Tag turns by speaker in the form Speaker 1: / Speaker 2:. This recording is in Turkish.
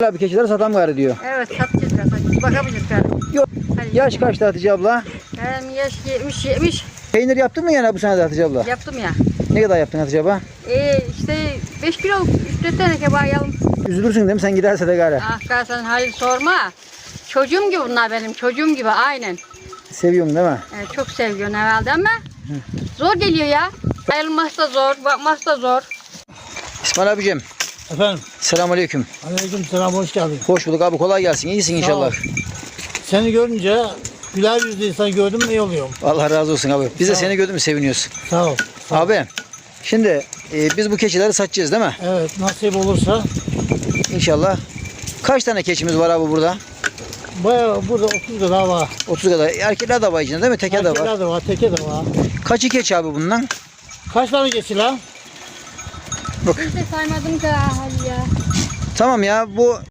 Speaker 1: Abi keçileri satam gari diyor.
Speaker 2: Evet satacağız biraz. Bakabiliriz galiba.
Speaker 1: Yok.
Speaker 2: Hadi.
Speaker 1: Yaş kaçtı Hatice abla?
Speaker 2: Benim yaş 70.
Speaker 1: Peynir yaptın mı yani bu sene de Hatice abla?
Speaker 2: Yaptım ya.
Speaker 1: Ne kadar yaptın Hatice abla?
Speaker 2: İşte 5 kilo 3-4 tane kebap yalım.
Speaker 1: Üzülürsün değil mi sen giderse de gari?
Speaker 2: Ah sen hayır sorma. Çocuğum gibi bunlar benim. Çocuğum gibi aynen.
Speaker 1: Seviyorsun değil mi?
Speaker 2: Çok seviyorsun herhalde ama zor geliyor ya. Ayrılması da zor, bakması da zor.
Speaker 1: İsmail abicim.
Speaker 3: Efendim,
Speaker 1: Selamünaleyküm.
Speaker 3: aleykümselam, hoş geldin.
Speaker 1: Hoş bulduk abi, kolay gelsin. İyisin
Speaker 3: Sağ ol.
Speaker 1: inşallah.
Speaker 3: Seni görünce güler yüzlü insan gördüm mü iyi oluyorum.
Speaker 1: Allah razı olsun abi. Biz de
Speaker 3: Sağ ol.
Speaker 1: seni gördük mü seviniyoruz.
Speaker 3: Sağ ol. Sağ ol.
Speaker 1: Abi şimdi biz bu keçileri satacağız değil mi?
Speaker 3: Evet, nasip olursa
Speaker 1: İnşallah. Kaç tane keçimiz var abi burada?
Speaker 3: bayağı burada 30 kadar var.
Speaker 1: 30 kadar. Erkekler de var içinde değil mi? Teke de var.
Speaker 3: Erkekler de var, teke de var.
Speaker 1: Kaçı keçi abi bundan?
Speaker 3: Kaç tane geçti lan?
Speaker 2: Hiç de saymadım ki hadi ya.
Speaker 1: Tamam ya bu